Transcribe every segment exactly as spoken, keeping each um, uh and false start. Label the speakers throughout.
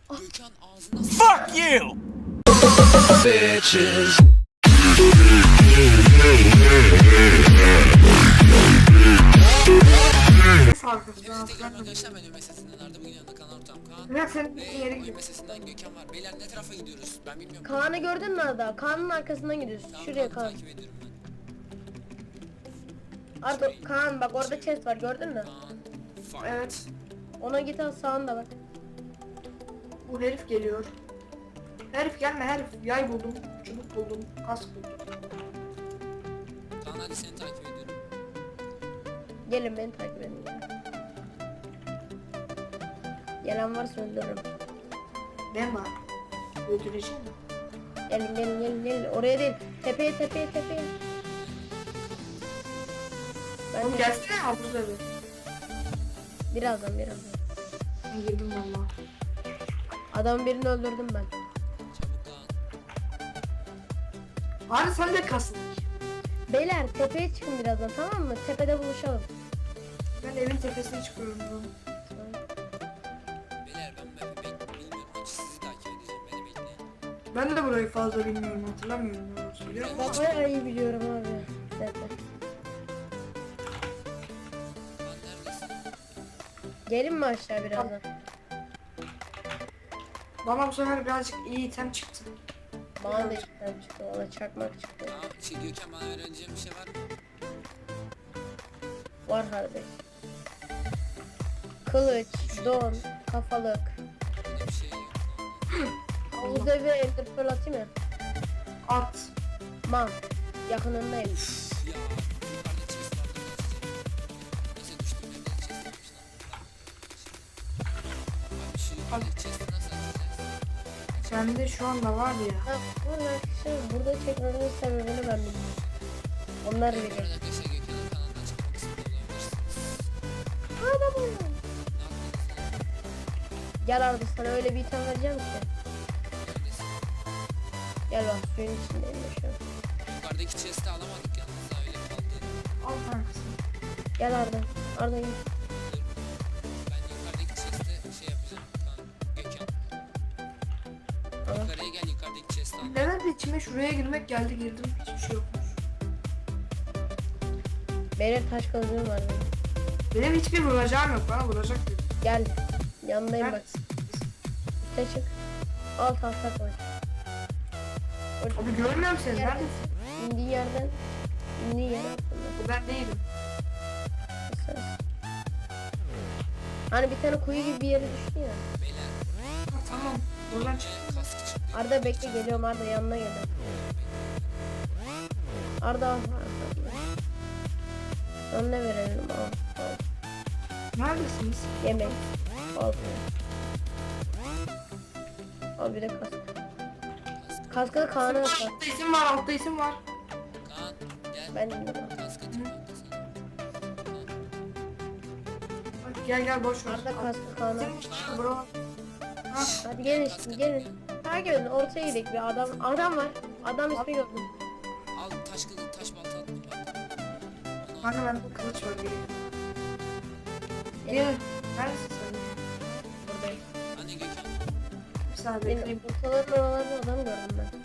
Speaker 1: Gökhan ağzına
Speaker 2: Fuck you!
Speaker 3: Bitches.
Speaker 4: Farkında.
Speaker 1: Hepinize tekrar arkadaşlar, ben Ömer Sesinden Arda, bugün yanında Kaan Ortam Kaan
Speaker 4: Bırak senin
Speaker 1: ve
Speaker 4: yere
Speaker 1: oyun
Speaker 4: gidiyor.
Speaker 1: mesesinden Gökhan var. Beyler ne tarafa gidiyoruz? Ben bilmiyorum.
Speaker 5: Kaan'ı gördün mü Arda? Kaan'ın arkasından gidiyorsun.
Speaker 1: Tamam,
Speaker 5: Şuraya
Speaker 1: Kaan'ı
Speaker 5: Kaan.
Speaker 1: takip ediyorum ben.
Speaker 5: Arda Kaan bak orada chest var gördün mü?
Speaker 1: Kaan. Fight.
Speaker 4: Evet.
Speaker 5: Ona git al sağında bak.
Speaker 4: Bu herif geliyor. Herif gelme herif. Yay buldum. Çubuk buldum. Kask buldum.
Speaker 1: Kaan hadi seni takip ediyorum.
Speaker 5: Gelin beni takip edin. Gelen varsa öldürürüm.
Speaker 4: Ben var. Öldüreceğim mi?
Speaker 5: Gelin gelin gelin gelin. Oraya değil. Tepeye tepeye tepeye. Ben
Speaker 4: Oğlum
Speaker 5: de
Speaker 4: gelsene ya burada bir.
Speaker 5: birazdan birazdan.
Speaker 4: Ben girdim valla.
Speaker 5: Adam birini öldürdüm ben.
Speaker 1: Çabuk Kaan.
Speaker 4: Abi sen de kasın.
Speaker 5: Beyler tepeye çıkın birazdan tamam mı? Tepede buluşalım.
Speaker 4: Ben evin tepesine çıkıyorum bu.
Speaker 1: Beyler ben map'i bek bilmiyorum. Hiç sizi takip edeceğim. Beni bekleyin.
Speaker 4: Ben de burayı fazla bilmiyorum, hatırlamıyorum ne oldu biliyor musun?
Speaker 5: Ben bayağı iyi biliyorum abi. Tepe.
Speaker 1: Kaan neredesin?
Speaker 5: Gelin mi aşağı birazdan?
Speaker 4: Bana bu sefer birazcık iyi item çıktı.
Speaker 5: Bana da içten çıktı. Valla çakmak çıktı.
Speaker 1: Kaan şey Gökhan, bana öğreneceğim bir şey var mı?
Speaker 5: Var kardeş. Kılıç, don, kafalık.
Speaker 1: Öyle bir şey yok.
Speaker 5: Havuz evi ender pearl atayım mı?
Speaker 4: At.
Speaker 5: Man. Yakınındayım.
Speaker 1: Uf ya. Yukarıda chest vardı. Neyse düştüm evde chest varmış lan. Abi şu yukarıdaki chest'i nasıl atacağız?
Speaker 4: Sende şu anda var ya.
Speaker 5: Ha, burada arkadaşlar burada çekmemin sebebini ben bilmiyorum. Onlar
Speaker 1: Evet,
Speaker 5: bilir.
Speaker 1: arkadaşlar Gökhan'ın kanalından çıkmak istiyor olabilirsiniz.
Speaker 5: Adam
Speaker 1: Ne yaptınız lan?
Speaker 5: Gel Arda sana öyle bir item vereceğim ki.
Speaker 1: Neredesin?
Speaker 5: Gel bak suyun içindeyim ya şu an.
Speaker 1: Yukarıdaki chest'i alamadık yalnız da öyle kaldı.
Speaker 4: Al kankasın.
Speaker 5: Gel Arda. Arda gel.
Speaker 1: Dur. Ben yukarıdaki chest'e şey yapacağım. Kaan, Gökhan.
Speaker 5: Tamam.
Speaker 1: Yukarıya gel, yukarıdaki chest'i al.
Speaker 4: Neden de içime şuraya girmek geldi girdim. Hiçbir şey yokmuş.
Speaker 5: Benim taş kılıcım var benim.
Speaker 4: Benim hiçbir vuracağım yok. Bana vuracak dedi.
Speaker 5: Gel. Yanındayım bak.
Speaker 4: Neredesin?
Speaker 5: Üste çık. Al tahta koy.
Speaker 4: Abi görmüyorum seni.
Speaker 5: Yer-
Speaker 4: Neredesin?
Speaker 5: İndiği yerden. İndiği yer altında.
Speaker 4: Bu ben değilim.
Speaker 5: Ses. Hani bir tane kuyu gibi bir yere düştü ya.
Speaker 1: Beyler.
Speaker 4: Ha, tamam. Buradan çık.
Speaker 1: Önce kask çıktı.
Speaker 5: Arda bekle geliyorum Arda yanına geliyorum. Arda al. Arda. Sana ne verelim? Al. Al.
Speaker 4: Neredesiniz?
Speaker 5: Yemek. Al. Al bir de kask.
Speaker 1: Kask.
Speaker 5: Kaskı da Kaan'a at.
Speaker 4: Altta isim var. Altta isim var.
Speaker 1: Kaan gel.
Speaker 5: Ben dinliyorum.
Speaker 1: Kask atayım kanka sana.
Speaker 4: Bak, gel gel boş ver.
Speaker 5: Arda kaskı Kaan'a at.
Speaker 4: Isim bro. Ha.
Speaker 5: Hadi gelin şimdi gelin. Takip edin ortaya gidelim bir adam. Adam var. Adam ismi gördüm.
Speaker 1: Al taş kılıç, taş balta attım bak. Onu al.
Speaker 4: Kanka bende kılıç var. Gelin.
Speaker 5: Gelin.
Speaker 4: Gelin. Neredesin sen?
Speaker 5: Buradayım.
Speaker 1: Anne Gökhan.
Speaker 4: Bir saniye
Speaker 5: Benim
Speaker 4: bekleyeyim.
Speaker 5: ortaların oralarda adam gördüm ben.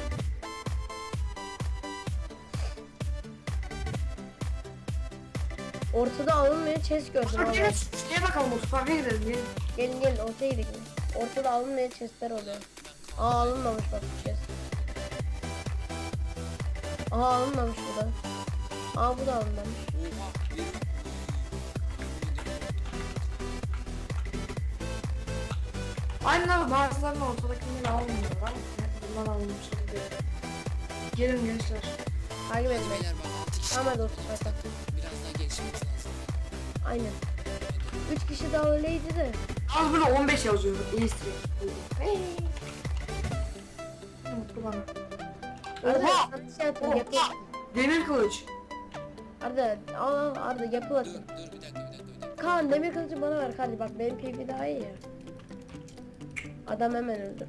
Speaker 5: Ortada alınmayan chest gördüm
Speaker 4: Bak
Speaker 5: abi.
Speaker 4: gelin. Şuraya bakalım. Mutfağa gidelim. Gelin.
Speaker 5: Gelin gelin ortaya gidelim. Ortada alınmayan chestler oluyor. Aa alınmamış bak bu chest. Aa alınmamış bu da. Aa bu da alınmamış.
Speaker 1: Oha. Verim.
Speaker 4: Aynen abi bazılarının ortadakinden almıyor. Ben bundan almış diye. Gelin gençler.
Speaker 5: Takip edin beni.
Speaker 1: Beyler bak altı kişi.
Speaker 5: Tamam hadi otur hadi.
Speaker 1: Biraz daha gelişmemiz lazım.
Speaker 5: Aynen. Üç kişi daha öyleydi de.
Speaker 4: Az böyle on beş yazıyor. İyi stream. Hey. Mutlu bana.
Speaker 5: Arda
Speaker 4: Oha!
Speaker 5: sana şey atayım yapı.
Speaker 4: Oha! Demir kılıç.
Speaker 5: Arda al al Arda yapı
Speaker 1: Dur
Speaker 5: atayım.
Speaker 1: dur bir dakika bir dakika bir dakika.
Speaker 5: Kaan demir kılıcı bana ver hadi bak benim P V daha iyi ya. Adam hemen öldü.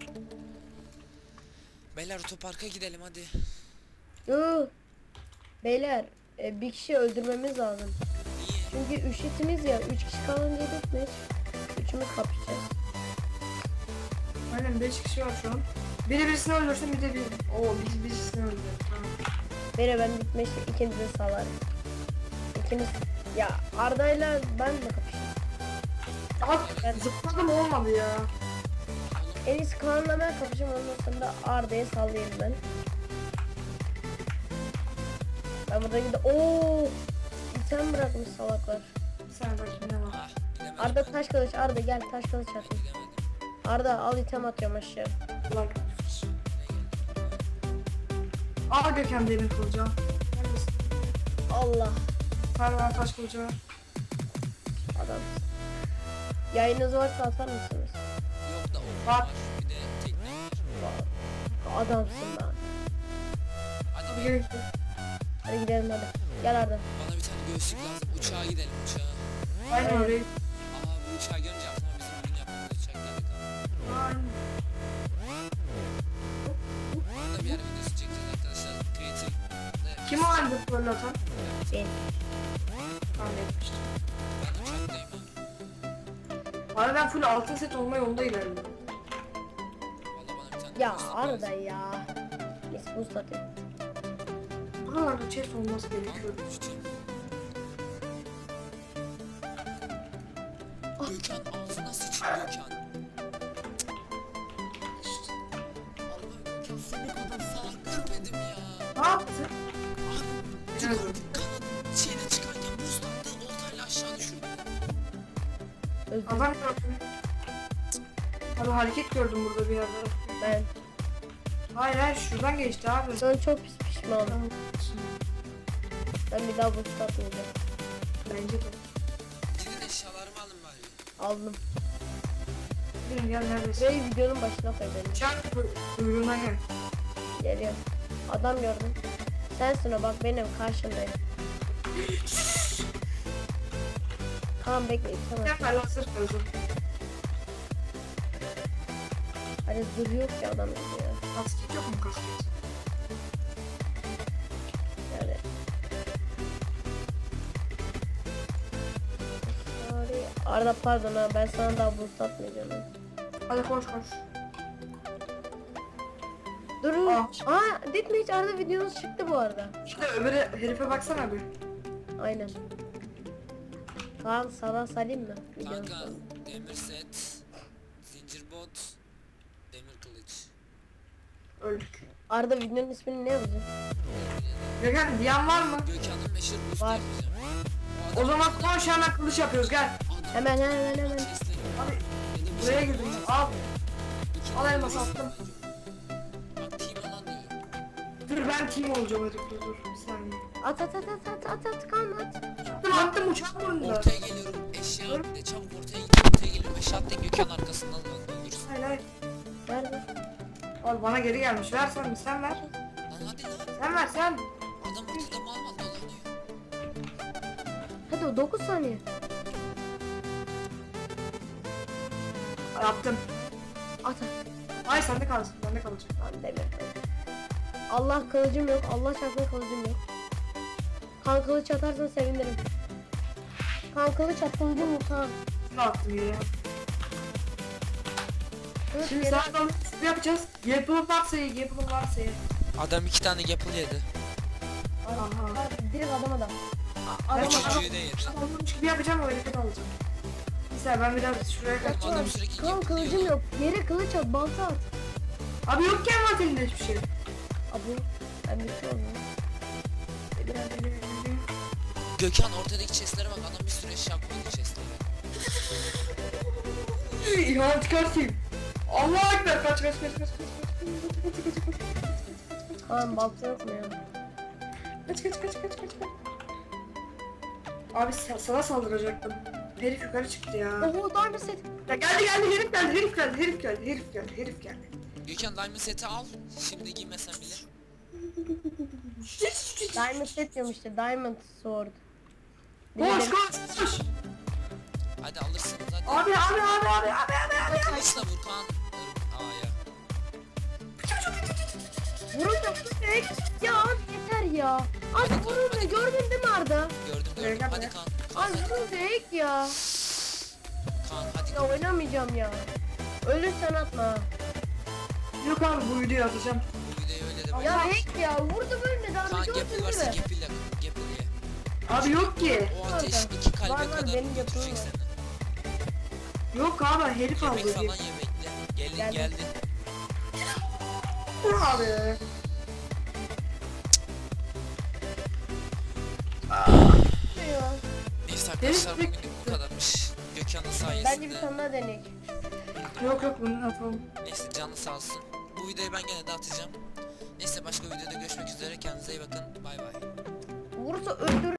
Speaker 1: Beyler otoparka gidelim hadi.
Speaker 5: Yoo. Beyler e, bir kişi öldürmemiz lazım.
Speaker 1: Niye?
Speaker 5: Çünkü üçlütümüz ya üç kişi kalınca gitmiş. Üçümüz kapışacağız.
Speaker 4: Aynen beş kişi var şu an. Biri birisini öldürsün bir de bir... Oo biz birisini öldürdük. Tamam.
Speaker 5: Beni ben gitmiş ikinizi salarım. İkiniz ya Arda'yla ben de kapışayım.
Speaker 4: Abi zıpladım olmadı ya.
Speaker 5: En iyisi Kaan'la ben kapışayım, ondan sonra Arda'ya sallayayım ben. Ben burada gidip ooo item bırakmış salaklar.
Speaker 4: Sen bakayım ne var.
Speaker 1: Ah bilemedim.
Speaker 5: Arda taş kılıç, Arda gel taş kılıç atayım.
Speaker 1: Bilemedim.
Speaker 5: Arda al item atıyorum aşağı.
Speaker 4: Bak. Al Gökhan demir kılıcı al. Neredesin?
Speaker 5: Allah
Speaker 4: Perver taş kılıcı var.
Speaker 5: adam. Yayınınız varsa atar mısınız?
Speaker 1: Yok da o
Speaker 4: Bak.
Speaker 1: var. Bir de tekne var.
Speaker 5: Adamsın lan.
Speaker 1: Hadi
Speaker 4: Hadi
Speaker 1: be.
Speaker 4: gel.
Speaker 5: Hadi gidelim hadi. Gel Arda.
Speaker 1: Bana bir tane göğüslük lazım. Uçağa gidelim uçağa.
Speaker 4: Aynen
Speaker 5: Evet.
Speaker 4: öyle.
Speaker 1: Aa bu uçağı görünce aklıma bizim bugün yaptığımız uçak geldi.
Speaker 4: Aynen.
Speaker 1: Burada bir yer videosu çekeceğiz arkadaşlar. Creative.
Speaker 4: Kim o halde böyle atan?
Speaker 5: Ben.
Speaker 4: Tahmin etmiştim.
Speaker 1: Ben uçaktayım ha.
Speaker 4: Abi ben full altın set olma yolunda ilerliyorum.
Speaker 1: Valla bana bir tane
Speaker 5: Ya
Speaker 1: göğüslük
Speaker 5: Arda
Speaker 1: lazım.
Speaker 5: ya. Neyse boost atayım.
Speaker 4: Buralarda chest olması gerekiyor.
Speaker 1: Al, uçtum. Gökhan ağzına sıçayım Gökhan. Allah'ım Gökhan seni kadar salak görmedim ya.
Speaker 4: Ne yaptın?
Speaker 1: Abi yukarıda kanat şeyle çıkarken buz taktı oltayla aşağı düşürdü.
Speaker 5: Özür
Speaker 4: Adam gördüm. Abi hareket gördüm burada bir yerde.
Speaker 5: ben.
Speaker 4: Hayır hayır şuradan geçti abi.
Speaker 5: Şu an çok pis pişmanım.
Speaker 4: Tamam.
Speaker 5: Ben bir daha boost atmayacağım.
Speaker 4: Bence de.
Speaker 1: Gidin eşyalarımı alın bari.
Speaker 5: Aldım.
Speaker 4: Bilin gel neredesin?
Speaker 5: Burayı videonun başına koy benim.
Speaker 4: Uçak kuyruğuna gel.
Speaker 5: Geliyorum. Adam gördüm. Sensin o, bak benim karşımdayım. Tamam bekle tamam.
Speaker 4: Sen ver lan sırf özüm.
Speaker 5: Hani zırh yok ya adam ya.
Speaker 4: Kasket yok mu kasket?
Speaker 5: Yani. Sorry. Arda pardon ha, ben sana daha boost atmayacağım.
Speaker 4: Hadi koş koş.
Speaker 5: Durun.
Speaker 4: Aa.
Speaker 5: Aa, Deathmatch Arda videonuz çıktı bu arada.
Speaker 4: Şimdi öbürü herife baksana bir.
Speaker 5: Aynen. Kaan sana salayım mı? Videonun
Speaker 1: Kanka
Speaker 5: sonunda.
Speaker 1: demir set, zincir bot, demir kılıç.
Speaker 4: Öldük.
Speaker 5: Arda videonun ismini ne yazacağım?
Speaker 4: Gökhan diyen var mı?
Speaker 1: Gökhan'ın meşhur boost
Speaker 5: Var.
Speaker 1: yapacağım.
Speaker 4: O zaman koş hemen kılıç yapıyoruz gel.
Speaker 1: Adam
Speaker 5: Hemen hemen hemen.
Speaker 1: chest'leri
Speaker 4: Abi
Speaker 1: ya da bir
Speaker 4: buraya
Speaker 1: şey
Speaker 4: girdim.
Speaker 1: yapacağız.
Speaker 4: Al.
Speaker 1: İki
Speaker 4: Al
Speaker 1: tane
Speaker 4: elmas
Speaker 1: boost
Speaker 4: attım.
Speaker 1: yapacağım. Bak team alan diyorum.
Speaker 4: Dur ben team olacağım hadi dur dur bir saniye.
Speaker 5: At at at at at at at Kaan at.
Speaker 4: Attım attım uçak burnunda.
Speaker 1: Ortaya geliyorum. Eşya at de çabuk ortaya git. Ortaya geliyorum. Eşya at de Gökhan arkasından öldürürsün.
Speaker 4: Hayır hayır.
Speaker 5: Nerede?
Speaker 4: Al bana geri gelmiş ver sen sen ver.
Speaker 1: Lan hadi lan.
Speaker 4: Sen ver sen.
Speaker 1: Adam ortada mal mal dolanıyor.
Speaker 5: Hadi o dokuz saniye.
Speaker 4: Yaptım.
Speaker 5: At at.
Speaker 4: Ay sende kalsın bende kalacak.
Speaker 5: Lan demir. Allah kılıcım yok. Allah çarpsın kılıcım yok. Kan kılıç atarsan sevinirim. Kan kılıç at kılıcım yok kan.
Speaker 4: Ne attım yere?
Speaker 5: Evet,
Speaker 4: Şimdi
Speaker 5: yere-
Speaker 4: sana da ne yapacağız? Yapılım varsa ye, yapılım varsa ye.
Speaker 1: Adam iki tane yapıl yedi.
Speaker 5: Adam-
Speaker 4: Aha.
Speaker 5: Adam- Direkt adam adam. A-
Speaker 4: Ben
Speaker 5: Adam
Speaker 4: çok-
Speaker 5: adam.
Speaker 1: Çocuğu da yedi.
Speaker 4: Olmuş gibi yapacağım o hareket alacağım. Mesela ben biraz şuraya kaç.
Speaker 1: Adam sürekli
Speaker 5: Kan
Speaker 1: yapıl
Speaker 5: kılıcım
Speaker 1: yiyor.
Speaker 5: yok. Yere kılıç at balta at.
Speaker 4: Abi yok ki envanterinde hiçbir şey.
Speaker 5: Abi ben bir şey olmuyor.
Speaker 4: Biraz ileri ileri.
Speaker 1: Gökhan ortadaki chestlere bak. Adam bir sürü eşya koydu chestlere.
Speaker 4: İhanet çıkartayım. Allah ekber kaç kaç kaç kaç kaç kaç kaç kaç kaç
Speaker 5: Kaan balta yok mu ya?
Speaker 4: kaç kaç kaç kaç kaç kaç. Abi sa- sana saldıracaktım. Herif yukarı çıktı ya.
Speaker 5: Oho diamond set.
Speaker 4: Ya geldi geldi herif geldi herif geldi herif geldi herif geldi herif geldi.
Speaker 1: Gökhan diamond seti al. Şimdi giymesen bile.
Speaker 5: Diamond set diyorum işte. Diamond sword.
Speaker 4: Koş
Speaker 5: Dedim-
Speaker 4: koş koş.
Speaker 1: Hadi alırsınız hadi.
Speaker 4: Abi abi abi abi abi abi abi.
Speaker 1: Kılıçla vur Kaan. Aa ya.
Speaker 5: Vurun da tek. Ya abi yeter ya. Abi vurun da gördün değil mi Arda?
Speaker 1: Gördüm gördüm.
Speaker 4: Gördüm
Speaker 1: Hadi
Speaker 4: ya.
Speaker 1: Kaan.
Speaker 5: Abi vurun tek ya.
Speaker 1: Kaan hadi.
Speaker 5: Ya oynamayacağım ya. Ölürsen atma.
Speaker 4: Yok abi bu videoyu atacağım.
Speaker 1: Bu videoyu öyle de
Speaker 5: Ya hack ya vurdu ölmedi abi
Speaker 1: Kaan
Speaker 5: gördün
Speaker 1: Gapple
Speaker 5: değil
Speaker 1: varsa
Speaker 5: mi?
Speaker 1: Gapple'le Gapple'ye.
Speaker 4: Abi yok ki.
Speaker 1: O ateş
Speaker 5: Orada.
Speaker 1: iki kalbe
Speaker 5: Var, var,
Speaker 1: kadar
Speaker 5: benim
Speaker 1: götürecek
Speaker 5: Gapple'ım var.
Speaker 1: seni.
Speaker 4: Yok abi herif
Speaker 1: Yemek
Speaker 4: aldı.
Speaker 1: falan ye bekle. Gelin
Speaker 5: Geldim.
Speaker 1: geldi.
Speaker 4: Dur abi.
Speaker 5: Ya.
Speaker 1: Neyse arkadaşlar
Speaker 4: Herif
Speaker 1: bugün bu kadarmış. Gökhan'ın
Speaker 5: Bence bir
Speaker 1: sayesinde.
Speaker 5: tane daha deneyek.
Speaker 4: Yok yok bunu atalım.
Speaker 1: Neyse canı sağ olsun. Bu videoyu ben gene de atacağım. Neyse başka videoda görüşmek üzere. Kendinize iyi bakın. Bay bay.
Speaker 5: Vursa öldür.